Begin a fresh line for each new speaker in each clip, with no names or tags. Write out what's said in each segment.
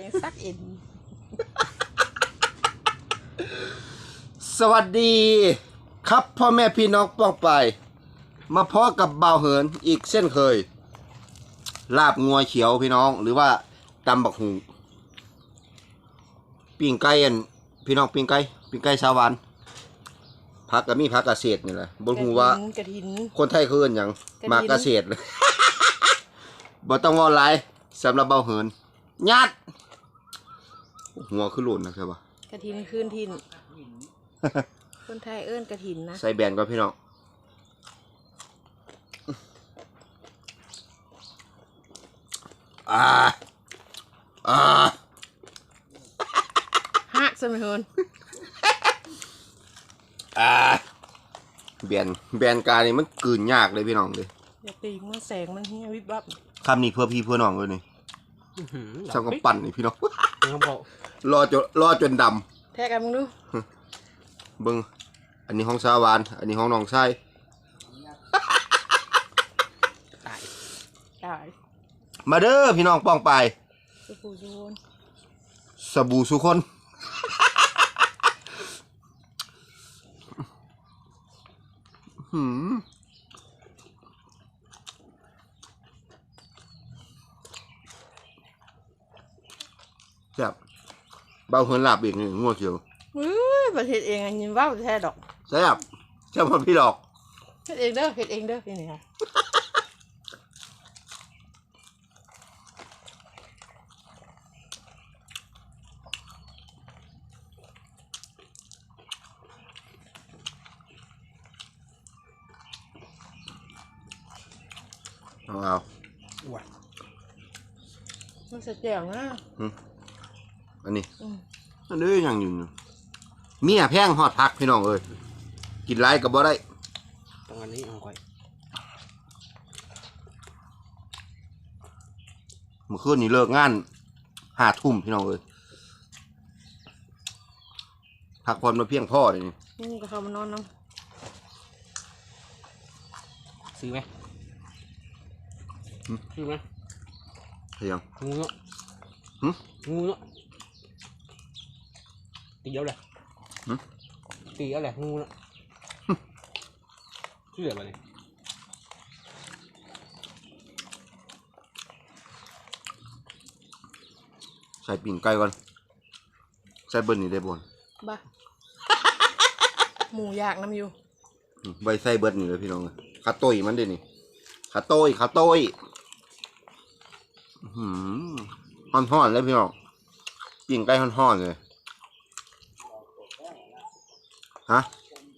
ซักเอ็น
สวัสดีครับพ่อแม่พี่น้องป้องไปมาพอกับบ่าวเหินอีกเส้นเคยลาบงัวเขียวพี่น้องหรือว่าตำบักหูปิ้งไก่อันพี่น้องปิ้งไก่ชาววันผักก็มีผักเกษตรนี่แหละบ่ฮู้ว่ากระถินคนไทยคือหยังมาเกษตรเลย บ่ต้องว่าหลายสำหรับบ่าวเหินญาติหัวคือหล่นนะใช่ปะ
กระถินคืนถิ่นคนไทยเอิ้นกระถินนะ
ใส่แบนก่อนพี่น้อง
ฮะสมัยเฮิน
แบนกานี่มันกลืนยากเลยพี่น้องเลย
อย่าตีมันแสงมันเฮียวิบวับ
คำนี้เพื่อพี่เพื่อน้องเลยนี่ช่างก็ปั่นนี่พี่น้องรอจนด
ำแทกกันมึงดู
เบิ้งอันนี้ห้องสาวานอันนี้ห้องน้องชาย
ตาย
มาเด้อพี่น้องป้องไปสบู่สุคนแซ่บเบาเหินหลับอีกนี่งัวเขียว
ประเทศเองอันนี้ว่าประเทศดอก
แซ่บพอพี่ดอก
เฮ็ดเองเด้อพี่นี่ค่ะ
เอา
มันจะแจ๋วนะ
อันนี้ยังอยู่เมียแพงฮอดพักพี่น้องเอ้ยกินไรกับบ่ได้
ตรงอันนี้เอาไว้
เมื่อคืนนี้เลิกงาน5 ทุ่มพี่น้องเอ้ยพักผ่อนมาเพียงพอเลย
นี่ก็เข้ามานอนน้
ำซื้อไหมซื้อไหม
เฮียง
งูเนาะงูเนาะตีเอาเลยตีเอาเลยงูเนาะชื่ออะไรเนี่ย
ใส่ปิ่งไก่ก่อนใส่เบิ้ลนี่ได้บ่น
บ้าหมูอยากน้ำอยู่
ใบใส่เบิ้ลนี่เลยพี่น้องขาโต้ยมันเด้นี่ขาโต้ยห่อนเลยพี่น้องปิ่งไก่ห่อนเลยฮะ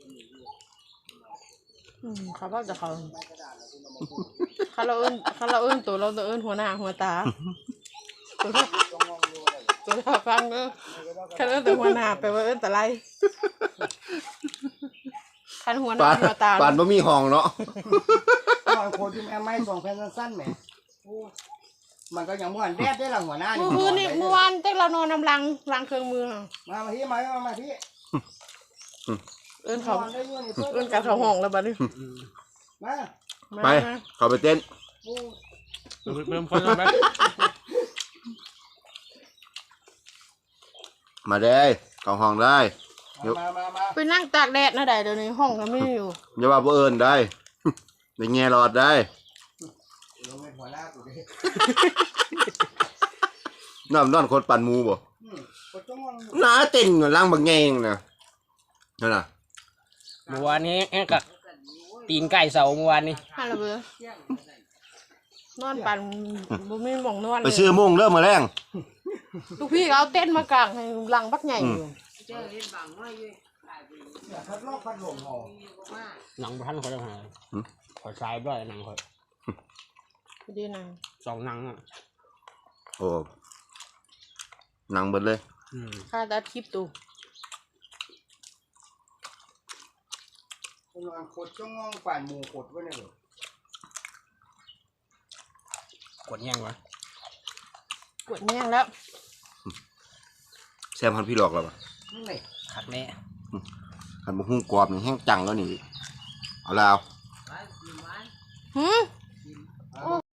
เขาบอกจะเขาเราเอิ้นตัวเราเอิ้นหัวหน้าหัวตาตัวเราฟังเขาเอิ้นตัวหัวหน้าแปลว่าเอิ้นแต่ไรคันหัวหน้าหัวตา
ปานบ่มีห้องเนาะ
โคตรที่แม่ไม่ส่งแฟนสั้นๆแหมมันก็ยังม่วนแดดได้หลังหัวหน้า
เมื่อวานเต้เรานอนนำลังเครื่องมือ
มาที่มาที่
เอิ้นการเขาห้องแล้วบัดนี้
ไปเขาไปเต้น
เริ่มคนแล้วไหม
มาได้เขาห้องได้
ไปนั่งตากแดดนะได้เดี๋ยวนี้ห้องก็ไม่อยู่
อย่าว่าบ่เอิญได้ในแง่รอดได้นอนคนปั่นมูบ่น่าเต้นล่างบางแงงนะนั่นน่ะ
เมื่อวานนี้กับตีนไก่เสาเมื่อวานนี้
ฮัลโหลเบอร์นอนปั่นบ่มีหม่องนอน
ไปซื้อมุ้งเริ่มมาแรง
ลูกพี่เอาเต้นมากางให้หลังบักใหญ่อยู่
หนังพันเขาจะหาขอใช้ด้วยหนังเขา
ดีนะ
2 หนังอ่ะ
โอ้หนังเบิดเลย
ค่าตัดคลิปตู
กดจ้องงปั่นหมูกดไว้เนี่ยหรอกดแย่งวะ
กดแย่งแล้ว
แซมพันพี่หลอกแล้วป่ะ
ขัดแน่
ขันบุ้งกรอบนี่แห้งจังแล้วนี่เอาแล้ว